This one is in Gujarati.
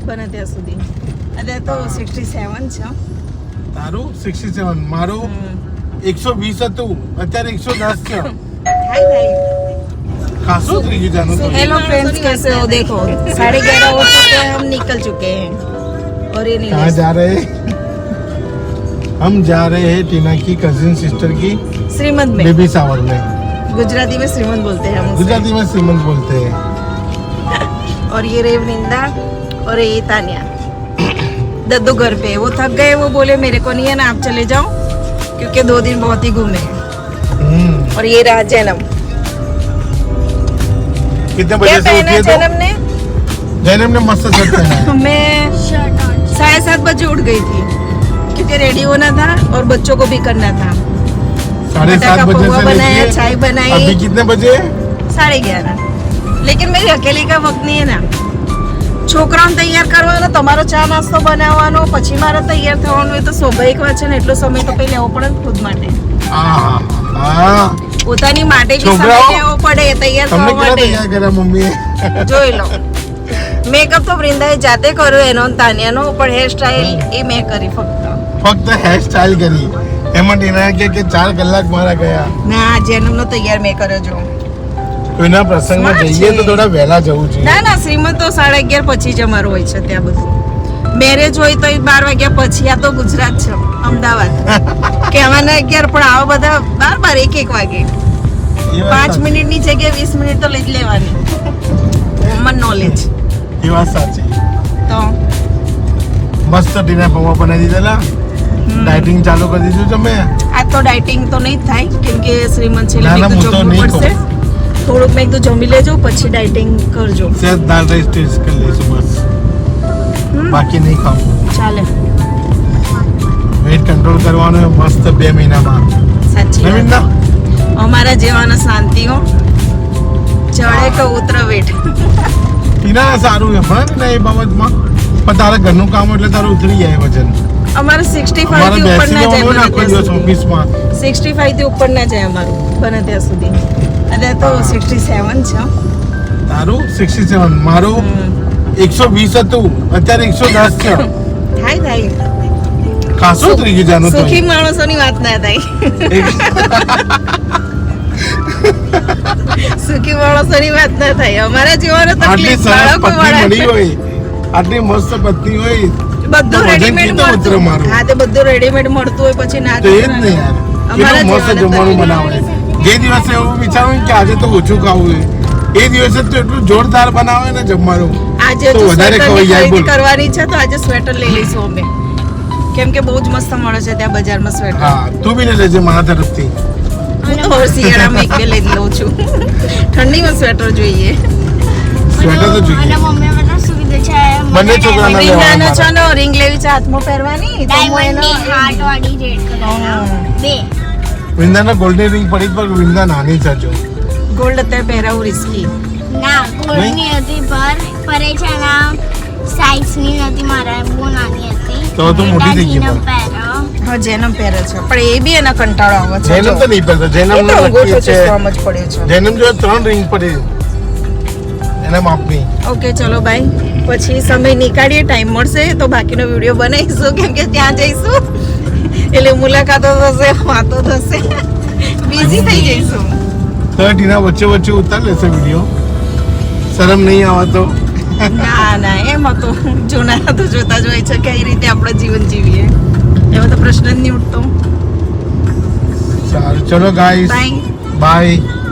બને ત્યાં સુધી. અત્યારે તો 67 છે. તારું 67, મારું 120 હતું, અત્યારે 110 છે. થાય. खासो થઈ ગયું જાનું તો. हेलो फ्रेंड्स, कैसे हो? देखो 11:30 हो चुके हैं, हम निकल चुके हैं और ये कहाँ जा रहे हैं? हम जा रहे हैं टीना की कजिन सिस्टर की श्रीमंत में. बेबी शावर में. गुजराती में श्रीमंत बोलते हैं हम उसे. गुजराती में श्रीमंत बोलते हैं. और ये रे वृंदा और ये तानिया. दद्दू घर पे, वो थक गए, वो बोले मेरे को नहीं है ना, आप चले जाओ क्योंकि 2 दिन बहुत ही घूमे हैं. और ये रहा जैनम. कितने क्या बजे से पहना उठी है जैनम ने? जैनम ने मस्त शर्ट पहना है. मैं 7:30 बजे उठ गई थी क्योंकि रेडी होना था और बच्चों को भी करना था. 7:30 बजे पोहा से बनाया, लेके चाय बनाई. अभी कितने बजे? 11:30. लेकिन मेरी अकेली का वक्त नहीं है ना. છોકરાઓને તૈયાર કરવાનો, તમારો ચા નાસ્તો બનાવવાનો, પછી મારે તૈયાર થવાનું, એ તો સ્વાભાવિક વાત છે ને. એટલો સમય તો પહેલા લેવો પડે ને ખુદ માટે. પોતાની માટે બી સમય લેવો પડે તૈયાર થવા માટે. તૈયાર કર્યા મમ્મીએ. જોઈ લો, મેકઅપ તો વૃંદાએ જાતે કર્યો એનો અને તાનિયાનો, પણ હેર સ્ટાઈલ એ મેં કરી ફક્ત હેર સ્ટાઈલ કરી. એમાં ટીના કે 4 કલાક મારા ગયા. ના, જેનમનો તૈયાર મેં કર્યો. જો કોઈના પ્રસંગમાં જઈએ તો થોડા વહેલા જવું જોઈએ. ના, શ્રીમંત તો 11:30 પછી જ અમારું હોય છે ત્યાં બધું. મેરેજ હોય તો 12 વાગ્યા પછી. આ તો ગુજરાત છે, અમદાવાદ. કહેવાના 11 પણ આવા બધા 12, 1 વાગે. 5 મિનિટની જગ્યાએ 20 મિનિટ તો લઈ જ લેવાની. Common knowledge. એ વાત સાચી. તો મસ્ત ટીના પૌવા બનાવી દીધેલા. ડાયટિંગ ચાલુ કરી દીધું તમે? આ તો ડાયટિંગ તો નહીં થાય કેમ કે શ્રીમંત છે ના, એટલે હું તો જમવું નહીં પડશે. થોડુંક મેં તો જમી લેજો પછી ડાયટિંગ કરજો. સેજ દાલ રાઈસ ટેસ્ટ કરી લઈશું બસ. બાકી નહીં ખાવું. ચાલે. વેટ કંટ્રોલ કરવાનો મસ્ત 2 મહિનામાં. સાચી નવીન વાત. ના અમારા જેવાના શાંતિઓ ચડે કે ઉતરે વેટ. ટીના સારું છે પણ ને એ બાબતમાં. પણ તારા ઘરનું કામ એટલે તારું ઉતરી જાય વજન. અમારે 65 થી અમારે ઉપર ના બેસી જાય. જવાનું ને આખો દિવસ ઓફિસમાં. 65 થી ઉપર ના જાય અમારું બને ત્યાં સુધી. અત્યારે તો 67 છે. તારું 67, મારું 120 હતું, અત્યારે 110 છે. થાય. ખાસો થઈ ગયું જાનું તો. સુખી માણસોની વાત ના થાય. સુખી માણસોની વાત ના થાય. અમારા જેવાનો આટલી તકલીફ સરસ બાળકો પત્ની વાળા. મળી હોય, આટલી મસ્ત પત્ની હોય બધું વજન રેડીમેડ કેટલું ઉતરે મળતું. મારું? હા, તે બધું રેડીમેડ મળતું હોય પછી ના તો એ જ થાય. ને યાર. અમારા કેટલું મસ્ત જેવાને જમવાનું તકલીફ. બનાવે. જે દિવસે એવું વિચારું કે આજે તો ઓછું ખાવું છે, એ દિવસે તો એટલું જોરદાર બનાવે ને જમવાનું. આજે તો જો વધારે સ્વેટરની ખવાઈ જાય. ખરીદી બોલ. કરવાની છે તો આજે સ્વેટર લઈ લઈશું અમે. કેમ કે બહુ જ મસ્ત મળે છે ત્યાં બજારમાં સ્વેટર. હા, તું બી ને લેજે મારા તરફથી. હું તો હવે શિયાળામાં 1-2 લઈ લઉં છું. ઠંડીમાં સ્વેટર જોઈએ. સ્વેટર તો જોઈએ. અને મમ્મી બધા શું કીધું છે બંને છોકરાના વિંદાનો લેવાના. છે ને રિંગ લેવી છે હાથમાં પહેરવાની તો હું ડાયમંડની એનો હાર્ટ વાળી રેડ કલર બે વિંદાના ગોલ્ડન રિંગ પડી પર વિંદા નાની છે જો. ગોલ્ડ અત્યારે પહેરાવું રિસ્કી. ના ગોલ્ડની હતી પર એ છે ના સાઈઝની નથી મારા બહુ નાની હતી તો તું મોટી થઈ ગઈ દાદીને પણ. પહેરો હા, જેનમ પહેરે છે પણ એ બી એના કંટાળો આવે છે. જેનમ તો નહીં પહેરતો. જેનમ એ તો નો અંગૂઠો નક્કી છે. ચૂસવામાં જ પડ્યો છે. જેનમ જો 3 રિંગ પડી એના માપની. ઓકે, ચલો બાય. પછી સમય નીકાળીએ, ટાઈમ મળશે તો બાકીનો વિડીયો બનાવીશું કેમ કે ત્યાં જઈશું એટલે મુલાકાતો થશે, વાતો થશે, બિઝી થઈ જઈશું. તો ટીના વચ્ચે વચ્ચે ઉતાર લેશે વિડીયો. શરમ નહીં આવતો? ના, એમાં તો જોનારા તો જોતા જ હોય છે કઈ રીતે આપણે જીવન જીવીએ. એમાં તો પ્રશ્ન જ નહીં ઉઠતો. સારું, ચલો ગાઈસ, બાય. બાય.